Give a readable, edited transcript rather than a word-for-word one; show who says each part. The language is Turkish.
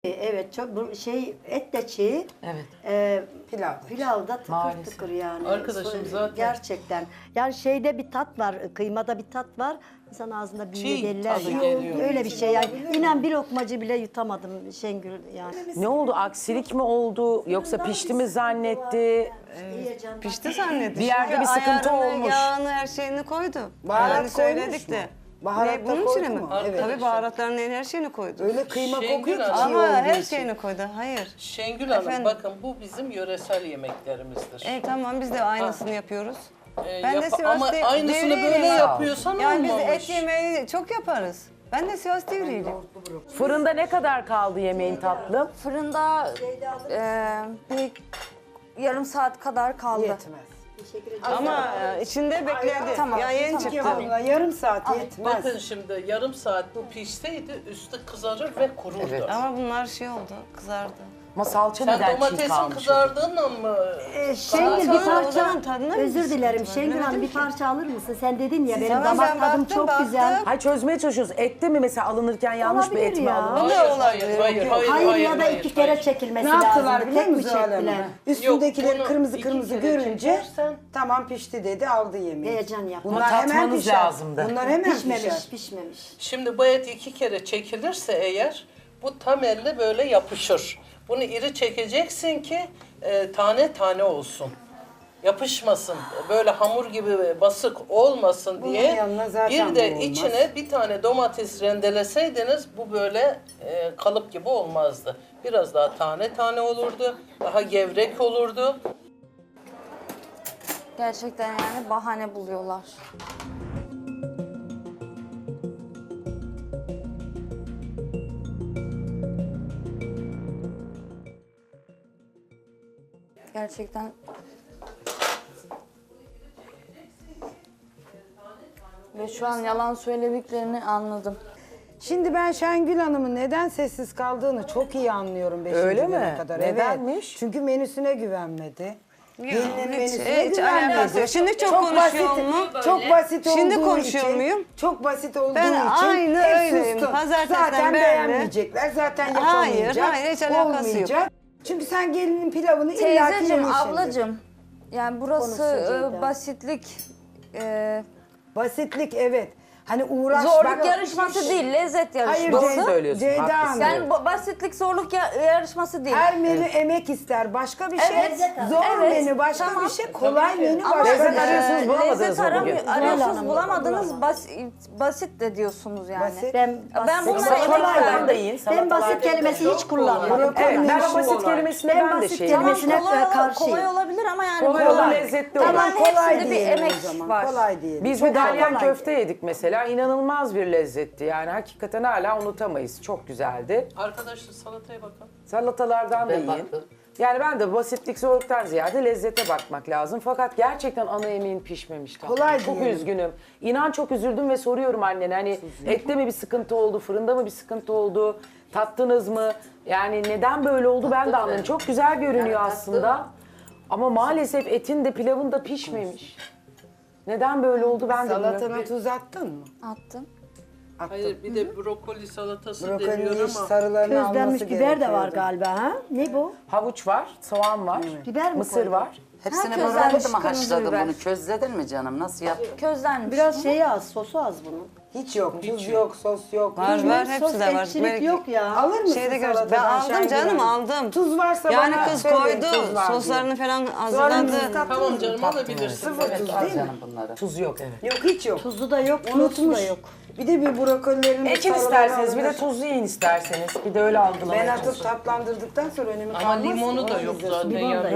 Speaker 1: Evet, çok bu şey et de çiğ.
Speaker 2: Evet.
Speaker 1: Pilavda tıkır
Speaker 2: Maalesef.
Speaker 1: tıkır yani.
Speaker 3: Arkadaşım zaten-
Speaker 1: Gerçekten. Yani şeyde bir tat var, kıymada bir tat var. İnsan ağzında büyüyor
Speaker 3: Çiğ
Speaker 1: derler
Speaker 3: tadı
Speaker 1: ya.
Speaker 3: geliyor.
Speaker 1: Öyle bir şey yani. İnan bir lokmacı bile yutamadım Şengül yani.
Speaker 2: Ne oldu? Aksilik mi oldu? Yoksa pişti mi zannetti?
Speaker 4: Pişti zannetti.
Speaker 2: Bir yerde
Speaker 4: Çünkü
Speaker 2: bir sıkıntı
Speaker 4: ayarını,
Speaker 2: olmuş.
Speaker 4: Yağını, her şeyini koydu.
Speaker 5: Baharat
Speaker 4: Yani söyledik
Speaker 5: koymuş mu?
Speaker 4: de.
Speaker 5: Baharat da
Speaker 4: bunun
Speaker 5: koydu
Speaker 4: içine mi?
Speaker 5: mu?
Speaker 3: Evet.
Speaker 4: Tabii baharatların her şeyini koydu.
Speaker 5: Öyle kıyma
Speaker 3: Şengül
Speaker 5: kokuyor ki
Speaker 3: Hanım.
Speaker 5: çiğ
Speaker 4: Ama
Speaker 5: olduğu
Speaker 4: her
Speaker 5: için.
Speaker 4: şeyini koydu. Hayır.
Speaker 3: Şengül Hanım
Speaker 4: Efendim?
Speaker 3: bakın bu bizim yöresel yemeklerimizdir.
Speaker 4: Tamam biz de aynısını yapıyoruz.
Speaker 3: Ama aynısını böyle
Speaker 4: devriyim.
Speaker 3: yapıyorsan
Speaker 4: Yani biz
Speaker 3: olmamış.
Speaker 4: et yemeği çok yaparız. Ben de Sivas devriyim.
Speaker 2: Fırında ne kadar kaldı yemeğin tatlım?
Speaker 6: Fırında bir yarım saat kadar kaldı.
Speaker 5: Yetmez.
Speaker 4: Ama içinde bekledi.
Speaker 6: Tamam,
Speaker 4: Ya yeni
Speaker 6: tamam.
Speaker 4: çıktı.
Speaker 5: Abla yarım saat yetmez.
Speaker 3: Bakın şimdi yarım saat bu pişseydi üstü kızarır ve kururdu.
Speaker 2: Evet.
Speaker 4: Ama bunlar şey oldu, kızardı.
Speaker 2: Ama salça
Speaker 3: Sen
Speaker 2: neden çiğ
Speaker 3: domatesin
Speaker 2: kalmış?
Speaker 3: kızardığınla mı?
Speaker 1: Şengül
Speaker 4: Sonra
Speaker 1: bir
Speaker 4: o
Speaker 1: parça,
Speaker 4: zaman tadına mı
Speaker 1: özür dilerim
Speaker 4: sıkıntı var?
Speaker 1: Şengül Hanım
Speaker 4: Bilemedim
Speaker 1: bir
Speaker 4: ki.
Speaker 1: parça alır mısın? Sen dedin ya benim
Speaker 4: Tamam,
Speaker 1: damak
Speaker 4: ben
Speaker 1: tadım
Speaker 4: baktım,
Speaker 1: çok güzel.
Speaker 4: baktım.
Speaker 2: Hayır çözmeye çalışıyoruz. Ette mi mesela alınırken yanlış bir et
Speaker 1: Olabilir
Speaker 2: mi
Speaker 1: ya.
Speaker 2: alınmış?
Speaker 1: Hayır ya da iki kere çekilmesi
Speaker 5: Ne
Speaker 1: lazım.
Speaker 5: yaptılar biliyor
Speaker 1: Tek mi
Speaker 5: musun Zuhal Hanım?
Speaker 1: çektiler?
Speaker 5: Üstündekileri
Speaker 3: bunu
Speaker 5: kırmızı
Speaker 3: iki
Speaker 5: kırmızı
Speaker 3: kere
Speaker 5: görünce
Speaker 3: çekersen-
Speaker 5: tamam pişti dedi aldı yemeği.
Speaker 1: Heyecan yapma.
Speaker 5: Bunlar hemen
Speaker 2: Tatmanız
Speaker 5: pişer.
Speaker 2: lazımdı.
Speaker 5: Bunlar hemen
Speaker 1: Pişmemiş,
Speaker 5: pişer.
Speaker 1: pişmemiş.
Speaker 3: Şimdi bu et 2 kere çekilirse eğer bu tam elle böyle yapışır. Bunu iri çekeceksin ki tane tane olsun. Yapışmasın. Böyle hamur gibi basık olmasın
Speaker 5: Bunun
Speaker 3: diye.
Speaker 5: yanına zaten
Speaker 3: Bir de
Speaker 5: bu olmaz.
Speaker 3: içine bir tane domates rendeleseydiniz bu böyle kalıp gibi olmazdı. Biraz daha tane tane olurdu. Daha gevrek olurdu.
Speaker 6: Gerçekten yani bahane buluyorlar. Gerçekten ve şu an yalan söylediklerini anladım.
Speaker 5: Şimdi ben Şengül Hanım'ın neden sessiz kaldığını çok iyi anlıyorum 5.
Speaker 2: Öyle
Speaker 5: güne
Speaker 2: mi?
Speaker 5: kadar.
Speaker 2: Nedenmiş?
Speaker 5: Evet. Çünkü menüsüne güvenmedi. Gelinin menüsüne
Speaker 4: hiç alakası
Speaker 5: güvenmedi.
Speaker 4: yok. Şimdi çok konuşuyor mu?
Speaker 5: Çok basit
Speaker 4: Şimdi
Speaker 5: olduğu
Speaker 4: konuşuyor
Speaker 5: için,
Speaker 4: muyum?
Speaker 5: Çok basit olduğu
Speaker 4: Ben
Speaker 5: için
Speaker 4: aynı
Speaker 5: hep
Speaker 4: öyleyim.
Speaker 5: sustum.
Speaker 4: Pazartesiden
Speaker 5: Zaten
Speaker 4: beri.
Speaker 5: beğenmeyecekler. Zaten yapamayacak.
Speaker 4: Hayır, hiç alakası yok.
Speaker 5: olmayacak. Çünkü sen gelinin pilavını illaki
Speaker 6: Teyzeciğim,
Speaker 5: yemişsindir.
Speaker 6: ablacığım yani burası
Speaker 1: Konuşsun
Speaker 6: basitlik,
Speaker 5: Basitlik evet. Hani uğraş.
Speaker 6: zorluk
Speaker 5: bak-
Speaker 6: yarışması değil, lezzet
Speaker 5: Hayır
Speaker 6: yarışması.
Speaker 2: Doğru söylüyorsun,
Speaker 5: Ceyda
Speaker 2: haklısın.
Speaker 5: Hanım.
Speaker 6: Yani basitlik zorluk yarışması değil.
Speaker 5: Her menü emek ister. Başka bir şey.
Speaker 6: Evet.
Speaker 5: Zor
Speaker 6: Evet,
Speaker 5: başka bir
Speaker 6: tamam.
Speaker 5: şey. Kolay menü
Speaker 6: Ama
Speaker 5: başka
Speaker 2: Lezzet
Speaker 5: bir şey.
Speaker 2: arıyorsunuz, bulamadınız
Speaker 6: lezzet
Speaker 2: mı bugün?
Speaker 6: arıyorsunuz,
Speaker 1: Hanım,
Speaker 6: bulamadınız, basit de diyorsunuz yani.
Speaker 5: Basit.
Speaker 1: Ben
Speaker 6: Ben bunlara
Speaker 1: basit,
Speaker 6: emek
Speaker 2: Salatalardan da
Speaker 6: verdim.
Speaker 2: yiyin.
Speaker 1: ben basit
Speaker 2: salatalar-
Speaker 1: kelimesi hiç kullanmadım.
Speaker 5: Brokoli
Speaker 2: Evet, ben o
Speaker 5: işi
Speaker 2: basit
Speaker 5: kolay.
Speaker 2: kelimesine
Speaker 1: Ben
Speaker 2: ben de
Speaker 1: basit
Speaker 2: şey.
Speaker 1: kelime-
Speaker 6: Tamam,
Speaker 1: Kelimesine karşıyım.
Speaker 6: kolay olabilir ama yani
Speaker 2: Kolay olur, lezzetli olur.
Speaker 6: Tamam,
Speaker 5: Kolay
Speaker 6: hepsinde bir
Speaker 5: diyelim
Speaker 6: emek
Speaker 5: o zaman.
Speaker 6: var.
Speaker 5: Kolay diyelim.
Speaker 2: Biz
Speaker 5: Çok
Speaker 2: bir dalyan
Speaker 5: kolay.
Speaker 2: köfte yedik mesela. İnanılmaz bir lezzetti. Yani hakikaten hala unutamayız. Çok güzeldi.
Speaker 3: Arkadaşlar salataya bakın.
Speaker 2: Salatalardan da
Speaker 3: Ben
Speaker 2: yiyin.
Speaker 3: baktım.
Speaker 2: Yani ben de basitlik zorluktan ziyade lezzete bakmak lazım. Fakat gerçekten ana yemeğin pişmemişti.
Speaker 5: Kolay
Speaker 2: Çok
Speaker 5: diyelim.
Speaker 2: üzgünüm. İnan çok üzüldüm ve soruyorum annene hani ette mi bir sıkıntı oldu, fırında mı bir sıkıntı oldu, tattınız mı? Yani neden böyle oldu ben de anlamadım. Çok güzel görünüyor aslında. Ama maalesef etin de pilavın da pişmemiş. Neden böyle oldu ben de bilmiyorum.
Speaker 5: Salatana tuz attın mı?
Speaker 6: Attım.
Speaker 5: Attım.
Speaker 3: Hayır bir de brokoli salatası deniyor
Speaker 5: Brokolinin
Speaker 3: ama.
Speaker 5: iç sarılarını
Speaker 1: Közlenmiş
Speaker 5: alması
Speaker 1: biber de var
Speaker 5: gerekiyordu.
Speaker 1: galiba ha? Ne bu?
Speaker 2: Havuç var, soğan var,
Speaker 1: Biber mi
Speaker 2: mısır
Speaker 1: koydun?
Speaker 2: var.
Speaker 7: Hepsini
Speaker 6: Herkes
Speaker 7: böyle
Speaker 6: vermiş
Speaker 7: mı
Speaker 6: kırmızı
Speaker 7: haşladın
Speaker 6: biber.
Speaker 7: bunu? Közledin mi canım? Nasıl yaptın?
Speaker 6: Közlenmiş.
Speaker 1: Biraz şeyi az, sosu az bunun.
Speaker 5: Hiç yok. Tuz yok, sos yok.
Speaker 4: Var
Speaker 5: Hiç
Speaker 4: var
Speaker 5: yok.
Speaker 4: hepsi de var.
Speaker 1: ekşilik
Speaker 4: Belki-
Speaker 1: yok ya.
Speaker 5: Alır mısın
Speaker 4: Şeyde gör.
Speaker 5: salatadan
Speaker 4: Ben aldım
Speaker 5: Şengül
Speaker 4: canım
Speaker 5: Hanım?
Speaker 4: aldım.
Speaker 5: Tuz varsa
Speaker 4: Yani
Speaker 5: bana
Speaker 4: kız
Speaker 5: söyleyin,
Speaker 4: koydu,
Speaker 5: tuz var diye.
Speaker 4: soslarını falan
Speaker 5: Soğanınızı
Speaker 4: hazırladı.
Speaker 5: tattınız
Speaker 3: Tamam
Speaker 5: mı?
Speaker 3: canım alabilirsin.
Speaker 5: Sıfır tuz
Speaker 7: Al
Speaker 5: değil mi?
Speaker 7: canım bunları.
Speaker 2: Tuz yok evet.
Speaker 5: Yok hiç yok.
Speaker 1: Tuzu da yok, sosu
Speaker 5: Unutmuş.
Speaker 1: da yok.
Speaker 5: Bir de bir brokolilerin
Speaker 2: Ekin isterseniz bir de tuzlu yiyin isterseniz. Bir de öyle
Speaker 5: Ben
Speaker 2: algılamayın.
Speaker 5: atıp tatlandırdıktan sonra önümü
Speaker 3: Ama
Speaker 5: kalmaz.
Speaker 3: limonu da
Speaker 5: Onu
Speaker 3: yok
Speaker 5: izlesin.
Speaker 3: zaten
Speaker 1: Limon da
Speaker 3: yani.